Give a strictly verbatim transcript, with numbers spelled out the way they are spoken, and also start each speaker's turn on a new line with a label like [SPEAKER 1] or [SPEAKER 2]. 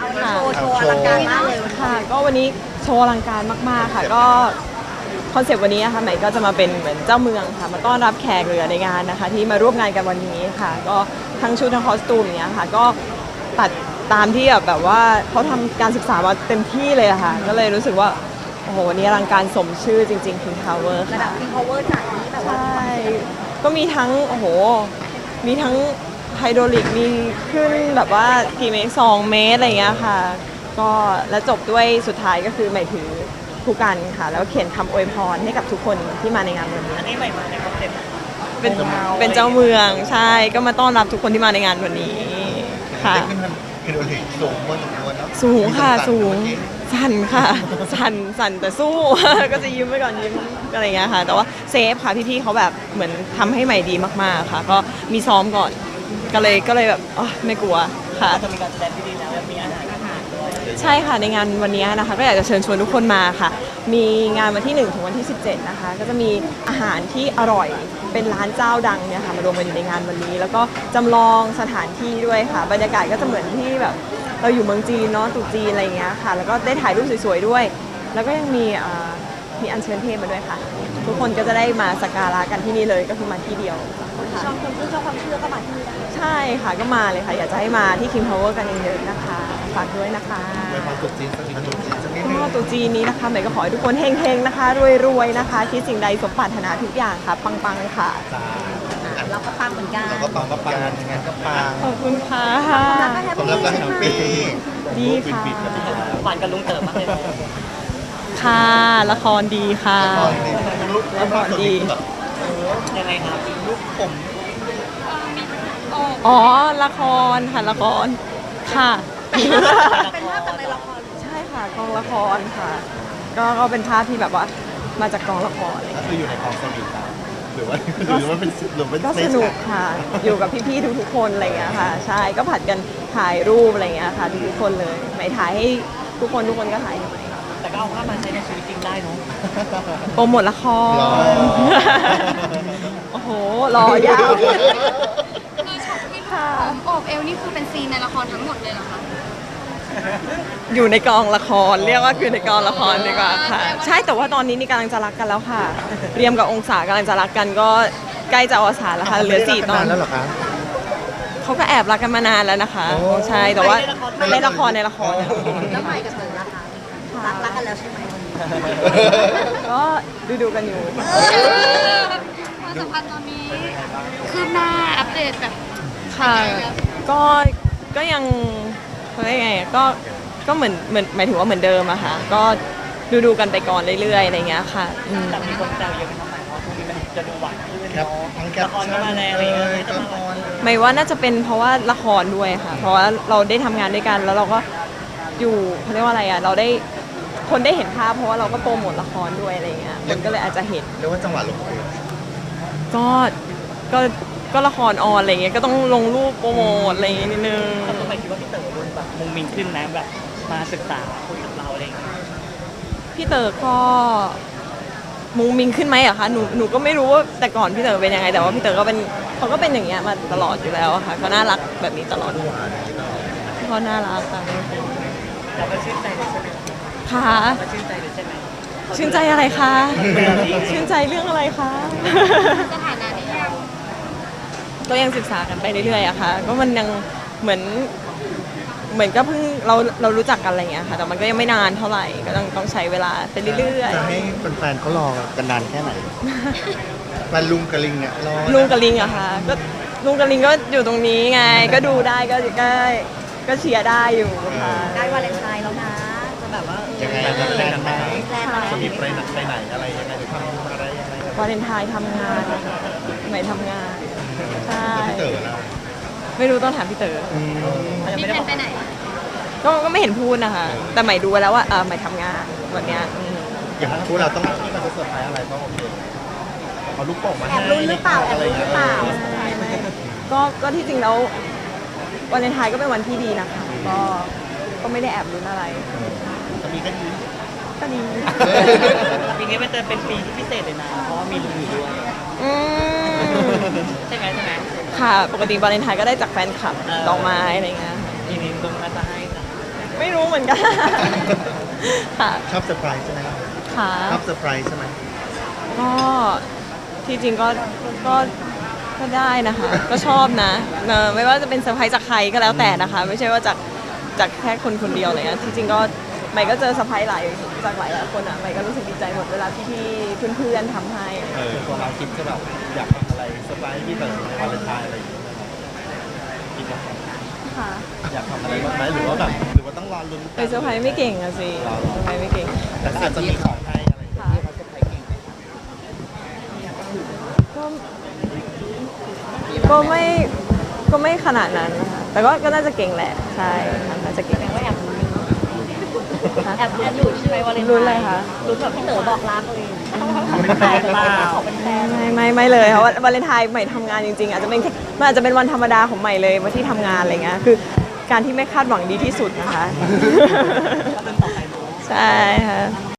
[SPEAKER 1] โชว์โชว์อลังการมากเลยค่ะก็วันนี้โชว์อลังการมากๆค่ะก็คอนเซปต์วันนี้นะคะใหม่ก็จะมาเป็นเหมือนเจ้าเมืองค่ะมาต้อนรับแขกเรือในงานนะคะที่มาร่วมงานกันวันนี้ค่ะก็ทั้งชุดทั้งคอสตูมเนี้ยค่ะก็ตัดตามที่แบบว่าเขาทำการศึกษามาเต็มที่เลยค่ะก็เลยรู้สึกว่าโอ้โหวันนี้อลังการสมชื่อจริงๆ King Power
[SPEAKER 2] ระดับ King Power จัดนี้แบบว่า
[SPEAKER 1] ใช่ก็มีทั้งโอ้โหมีทั้งไฮดรอลิกมีขึ้นแบบว่ากี่เมตรสองเมตรอะไรอย่างเงี้ยค่ะก็แล้วจบด้วยสุดท้ายก็คือใหม่ถือผู้กันค่ะแล้วเขียนคำอวยพรให้กับทุกคนที่มาในงานวันนี้
[SPEAKER 3] อันนี้ใหม่มาในคอนเซ็ปต์
[SPEAKER 1] เป็นเป็นเจ้าเมืองใช่ก็มาต้อนรับทุกคนที่มาในงานวันนี้ค่ะ
[SPEAKER 4] ขึ้นมันไฮโดรลิกสูงพอสมควรเนาะ
[SPEAKER 1] สูงค่ะสูงสั่นค่ะสั่นสั่นแต่สู้ ก็จะยิ้มไปก่อนยิ้มอะไรอย่างเงี้ยค่ะแต่ว่าเซฟค่ะพี่ๆเขาแบบเหมือนทำให้ใหม่ดีมากๆค่ะก็มีซ้อมก่อนก็เลยก็เลยแบบอ๋อไม่กลัวค่ะ
[SPEAKER 3] จะมีการแสดงที่ดีแล้วมีอาหารอาหารด้วย
[SPEAKER 1] ใช่ค่ะในงานวันนี้นะคะก็อยากจะเชิญชวนทุกคนมาค่ะมีงานวันที่หนึ่งถึงวันที่สิบเจ็ดนะคะก็จะมีอาหารที่อร่อยเป็นร้านเจ้าดังเนี่ยค่ะมารวมกันอยู่ในงานวันนี้ แล้วก็จำลองสถานที่ด้วยค่ะบรรยากาศก็จะเหมือนที่แบบเราอยู่เมืองจีนเนาะตรุษจีนอะไรอย่างเงี้ยค่ะแล้วก็ได้ถ่ายรูปสวยๆด้วย แล้วก็ยังมีอ่ามีอัญเชิญเทพมาด้วยค่ะ ทุกคนก็จะได้มาสักการะกันที่นี่เลยก็คือมาที่เดียวค่ะ
[SPEAKER 2] ชอบคนที่ชอบความเชื่อก็มาที่นี่ได้
[SPEAKER 1] ใช่ค่ะก็มาเลยค่ะอยากจะให้มาที่ King Power กันเยอะๆนะคะฝากด้วยนะคะ
[SPEAKER 4] ไปพอจุดจีนสักนิดจุดจีนสักนิดนึง
[SPEAKER 1] ก็ตรุษจีนนี้นะคะใหม่ก็ขอให้ทุกคนเฮงๆนะคะรวยๆนะคะคิดสิ่งใดสมปรารถนาทุกอย่างค่ะปังๆค่ะ
[SPEAKER 4] จ้า
[SPEAKER 2] เราก็ปังเหมือนกัน
[SPEAKER 4] เราก็ปังก็ปังงานก็ปัง
[SPEAKER 1] ขอบคุณค่ะ
[SPEAKER 2] แล้วก็แฮป
[SPEAKER 4] ผม
[SPEAKER 2] ปี้
[SPEAKER 4] รับการแฮปปี้
[SPEAKER 1] ดีค่ะ
[SPEAKER 3] หวานกับลุงเต๋อมากเลย
[SPEAKER 1] ค่ะละครดีค่ะ
[SPEAKER 4] ตอนนี้ลูก
[SPEAKER 1] ละครดี
[SPEAKER 4] แบบ
[SPEAKER 3] ยังไงครับ
[SPEAKER 4] ลูกผม
[SPEAKER 1] อ๋อละครค่ะละครค่ะ
[SPEAKER 2] เป็นภาพจากในละคร
[SPEAKER 1] ใช่ค่ะกองละครค่ะ ก็ก็เป็นภาพที่แบบว่ามาจากกองละครอะไรอย่าง
[SPEAKER 4] ก็
[SPEAKER 1] เลย
[SPEAKER 4] คืออยู่ในกองสนิทกันหรือว่าหรือว่าเป็นหรือเป็น
[SPEAKER 1] ก็สนุกค่ะ อยู่กับพี่ๆทุกๆคนอะไรอย่างเงี้ยค่ะ ใช่ก็ผัดกันถ่ายรูปอะไรอย่างเงี้ยค่ะทุกๆคนเลยใหม่ถ่ายให้ทุกคนทุกคนก็ถ่ายให้ใหม่
[SPEAKER 3] แต่ก็เอาภาพมาใช้ในชีวิตจริงได้เนาะ
[SPEAKER 1] โปรโมทละค
[SPEAKER 4] รอ
[SPEAKER 1] ร โอ้โหรอยาว
[SPEAKER 5] คือช็อตที่
[SPEAKER 1] ค่ะ
[SPEAKER 5] หอมโอบเอวนี่คือเป็นซีนในละครทั้งหมดเลยเหรอคะ
[SPEAKER 1] อยู่ในกองละครเรียกว่าคือในกองละครดีกว่าค่ะ ใช่แต่ว่าตอนนี้นี่กำลังจะรักกันแล้วค่ะ เรียมกับองศากำลังจะรักกันก็ใกล้จะอวสานแล้วค่ะเหลือสี่ตอน
[SPEAKER 4] แล้วเหรอคะ
[SPEAKER 1] เขาก็แอบรักกันมานานแล้วนะคะ
[SPEAKER 4] โอ้
[SPEAKER 1] ใช่แต่ว่าในละครในละคร
[SPEAKER 2] แล้วใหม่กับเต๋อละคะรักรักกันแล้วใช่ไหม
[SPEAKER 1] ก็ดูดูๆกันอยู่
[SPEAKER 5] ความสัมพันธ์ตอนนี้คืบหน้าอัปเดตแบบ
[SPEAKER 1] ค่ะ ก็ก็ยังเขาเรียกไงก็ก็เหมือนเหมือนหมายถึงว่าเหมือนเดิมอะค่ะก็ดูดูๆกันไปก่อนเรื่อยๆอะไรเงี้ยค่ะอืม
[SPEAKER 3] แต่มีคนแซวเยอะเป็นทำไมเพราะช่วงนี้มันจะดูหวานขึ้น
[SPEAKER 4] แคป
[SPEAKER 3] เนาะ
[SPEAKER 4] ทั้งแค
[SPEAKER 3] ละ
[SPEAKER 4] ป
[SPEAKER 3] ครก็มาแรงอะไรอย่างเงี้ย
[SPEAKER 4] ก็
[SPEAKER 3] จะ
[SPEAKER 4] ละ
[SPEAKER 3] มา
[SPEAKER 4] คร
[SPEAKER 1] หมายว่าน่าจะเป็นเพราะว่าละครด้วยค่ะ เพราะว่าเราได้ทำงานด้วยกันแล้วเราก็อยู่เขาเรียกว่าอะไรอะเราได้คนได้เห็นภาพเพราะว่าเราก็โปรโมทละครด้วยอะไรเงี้ยคนก็เลยอาจจะเห็น
[SPEAKER 4] เรียกว่าจังหวะลงตัว
[SPEAKER 1] ก็ก็ก็ละครออนอะไรเงี้ยก็ต้องลงรูปโปรโมทอะไรอย่างเงี้ยนิดนึง
[SPEAKER 3] แต่ก็หมายคิดว่าพี่เต๋อดูแบบมุงมิงขึ้นนะแบบมาศึกษาคุยกับเราอะไรอย่างเงี้ย
[SPEAKER 1] พี่เต๋อก็มุงมิงขึ้นไหมอะคะหนูหนูก็ไม่รู้ว่าแต่ก่อนพี่เต๋อเป็นยังไงแต่ว่าพี่เต๋อก็เป็นเขาก็เป็นอย่างเงี้ยมาตลอดอยู่แล้วอะค่ะเขาน่ารักแบบนี้ตลอดเขาน่ารักค่ะ
[SPEAKER 3] เราก็ชื่นใจเลยใช่ไหม
[SPEAKER 1] ค่ะ
[SPEAKER 3] เราก็ชื่นใจเลยใช่ไหม
[SPEAKER 1] ชื่นใจอะไรคะชื่นใจเรื่องอะไรคะ
[SPEAKER 5] สถานะนี้ยัง
[SPEAKER 1] ก็ยังศึกษากันไปเรื่อยๆอะค่ะก็มันยังเหมือนเหมือนก็เพิ่งเราเรารู้จักกันอะไรอย่างเงี้ยค่ะแต่มันก็ยังไม่นานเท่าไหร่ก็ต้องต้องใช้เวลาไปเรื่อย
[SPEAKER 4] จะให้แฟนๆเขารอกันนานแค่ไหนแฟนลุงกับลิงเนี่ยรอ
[SPEAKER 1] ๆลุงกับลิงอะค่ะก็ลุงกับลิงก็อยู่ตรงนี้ไง ก็ดูได้ก็ก็ก็เชียร์ได้อยู่ค่ะ
[SPEAKER 2] ใกล้วาเลนไทน์แล้วนะ จะแบบว่าเออ
[SPEAKER 4] ยังไงจะแพลนไหม
[SPEAKER 2] แพลนอะไร
[SPEAKER 4] จะมีไปไหนไปไหนอะไรยังไงหรือทำอะไรยังไง
[SPEAKER 1] วาเลนไทน์ทำงานนะคะไม่ทำงานใช่
[SPEAKER 4] แล้วพี่เต๋อล่ะ
[SPEAKER 1] ไม่รู้ต้องถามพี่เต๋อ
[SPEAKER 4] อืม
[SPEAKER 5] มีแผนไปไหน
[SPEAKER 1] ก็ก็ไม่เห็นพูดนะคะ แต่ใหม่ดูไว้แล้วว่าเออใหม่ทำงานวันเนี้ยอืม
[SPEAKER 4] อย่างนั้นคู่เราต้องที่มันจะเซอร์ไพรส์อะไรต้องโอเคเอาลูกโป่งมา
[SPEAKER 2] แอบลุ้นหรือเปล่าแอบลุ้นหรือเปล่า
[SPEAKER 1] ไม่ไม่ก็ก็ที่จริงแล้ววาเลนไทน์ก็เป็นวันที่ดีนะคะ ก็ก็ไม่ได้แอบลุ้นอะไร
[SPEAKER 4] จะมีแค่นี้
[SPEAKER 1] ก็ดี
[SPEAKER 3] ปีนี้มันจะเป็นปีที่พิเศษเลยนะ เพราะว่ามีลุงอยู่ด้วย
[SPEAKER 1] อืม
[SPEAKER 3] ใช่ไหมใช่ไหม
[SPEAKER 1] ค่ะ ปกติวาเลนไทน์ก็ได้จากแฟนคลับ
[SPEAKER 3] เออ
[SPEAKER 1] ดอกไม้อะไรเงี้ยค่ะ
[SPEAKER 3] ปีนี้ลุงน่าจะให้จ้ะ
[SPEAKER 1] คไม่รู้เหมือนกัน ค่ะ
[SPEAKER 4] ชอบเซอร์ไพรส์ใช่ไหมครับ
[SPEAKER 1] ค่ะ
[SPEAKER 4] ชอบเซอร์ไพรส์ใช่ไหม
[SPEAKER 1] ก็ที่จริงก็ก็ก็ได้นะคะ ก็ชอบนะเออไม่ว่าจะเป็นเซอร์ไพรส์จากใครก็แล้วแต่นะคะ ไม่ใช่ว่าจากจากแค่คนคนเดียวอะไรเงี้ยที่จริงก็ใหม่ก็เจอเซอร์ไพรส์หลายจากหลายหลายคนอ่ะใหม่ก็รู้สึกดีใจหมดเวลาที่พี่เพื่อนๆทำให้
[SPEAKER 4] เออตัวเราคิดจะแบบอยากทำอะไรเซอร์ไพรส์พี่เต๋อในวาเลนไทน์อะไรอย่างเงี้ยคิดว่า
[SPEAKER 1] ค่ะ
[SPEAKER 4] อยากทำอะไรบ้างไหมหรือว่าแบบหรือว่าต้องรอลุ้น
[SPEAKER 1] ไปเซอร์ไพรส์ไม่เก่งอะสิเซอร์ไพรส์ไม่เก่ง
[SPEAKER 4] แต่ก็อาจจะมีของให้อะไรอย่างเงี้ย
[SPEAKER 1] ค่ะก็ก็ไม่ก็ไม่ขนาดนั้นนะคะแต่ก็ก็น่าจะเก่งแหละใช่ค่ะน่าจะเก่ง
[SPEAKER 2] ว่าแอบลุ้น
[SPEAKER 1] ค่ะ
[SPEAKER 2] แอบแอบลุ้นใช่ไหมวาเลนไทน์
[SPEAKER 1] ลุ้นอะไรคะ
[SPEAKER 2] ลุ้นแบบพี่เต๋อบอกรักเลย
[SPEAKER 3] เป็นแฟนเปล่า
[SPEAKER 2] ขอเป็นแฟน
[SPEAKER 1] ไม่ไม่ไม่เลยเพราะว่าวาเลนไทน์ใหม่ทำงานจริงๆอาจจะเป็นแค่มันอาจจะเป็นวันธรรมดาของใหม่เลยวันที่ทำงานอะไรเงี้ยคือการที่ไม่คาดหวังดีที่สุดนะคะ ใช่ค่ะ